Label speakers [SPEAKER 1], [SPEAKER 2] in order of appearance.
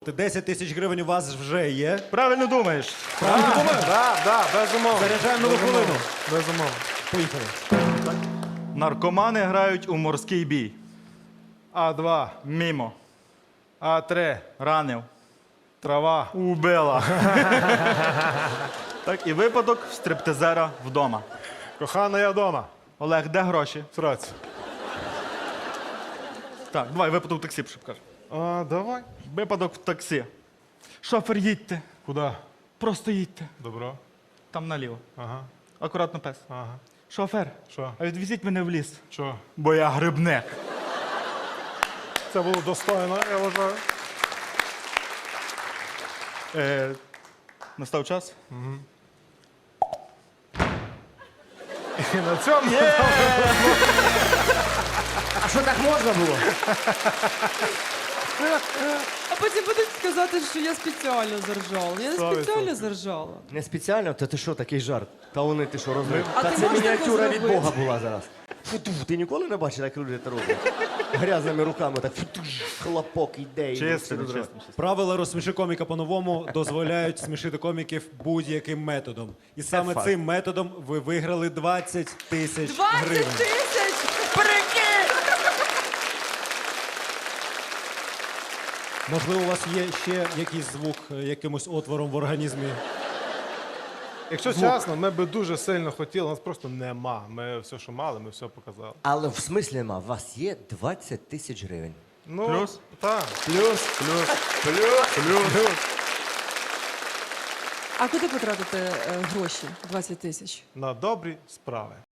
[SPEAKER 1] 10 тисяч гривень у вас вже є.
[SPEAKER 2] Правильно думаєш.
[SPEAKER 1] Правильно думаю?
[SPEAKER 3] Да, безумовно.
[SPEAKER 1] Заряджаємо нову хвилину.
[SPEAKER 3] Безумовно.
[SPEAKER 1] Поїхали.
[SPEAKER 2] Наркомани грають у морський бій.
[SPEAKER 3] А2,
[SPEAKER 2] Мімо.
[SPEAKER 3] А3,
[SPEAKER 2] Ранив.
[SPEAKER 3] трава.
[SPEAKER 2] Убила. Так, і випадок в стриптизера вдома.
[SPEAKER 3] Кохана, я вдома.
[SPEAKER 2] Олег, де гроші?
[SPEAKER 3] Сраць.
[SPEAKER 2] Так, давай, випадок в таксі, щоб кажу.
[SPEAKER 3] Давай.
[SPEAKER 2] Випадок в таксі. Шофер, їдьте.
[SPEAKER 3] Куди?
[SPEAKER 2] Просто їдьте.
[SPEAKER 3] Добро.
[SPEAKER 2] Там наліво.
[SPEAKER 3] Ага.
[SPEAKER 2] Акуратно пес.
[SPEAKER 3] Ага.
[SPEAKER 2] Шофер,
[SPEAKER 3] Що?
[SPEAKER 2] а відвезіть мене в ліс.
[SPEAKER 3] Що?
[SPEAKER 2] Бо я грибник.
[SPEAKER 3] Це було достойно, я вважаю.
[SPEAKER 2] Настав час?
[SPEAKER 3] І на цьому
[SPEAKER 1] А що так можна було?
[SPEAKER 4] А потім будуть сказати, що я спеціально заржала. Я не
[SPEAKER 3] 100%.
[SPEAKER 4] спеціально заржала.
[SPEAKER 5] Не спеціально? Та ти що, такий жарт? Та вони ти що розумієш?
[SPEAKER 4] А
[SPEAKER 5] Та
[SPEAKER 4] ти
[SPEAKER 5] це
[SPEAKER 4] можеш
[SPEAKER 5] мініатюра
[SPEAKER 4] таке
[SPEAKER 5] від
[SPEAKER 4] зробити?
[SPEAKER 5] Бога була зараз. Фу-ту, ти ніколи не бачив, як люди це роблять? Грязними руками так фу-ту, хлопок іде. і
[SPEAKER 2] Чисто,
[SPEAKER 5] все розриває.
[SPEAKER 2] чисто.
[SPEAKER 1] Правила «Розсміши коміка по-новому» дозволяють смішити коміків будь-яким методом. І саме
[SPEAKER 2] факт.
[SPEAKER 1] цим методом ви виграли 20 тисяч
[SPEAKER 4] 20
[SPEAKER 1] гривень.
[SPEAKER 4] тисяч! Прикинь!
[SPEAKER 1] Можливо, у вас є ще якийсь звук якимось отвором в організмі?
[SPEAKER 3] Якщо чесно, ми би дуже сильно хотіли, нас просто нема. Ми все, що мали, ми все показали.
[SPEAKER 5] Але в смислі нема, у вас є 20 тисяч гривень.
[SPEAKER 3] Ну,
[SPEAKER 2] Плюс?
[SPEAKER 3] Так.
[SPEAKER 4] А куди потратити гроші 20 тисяч?
[SPEAKER 3] На добрі справи.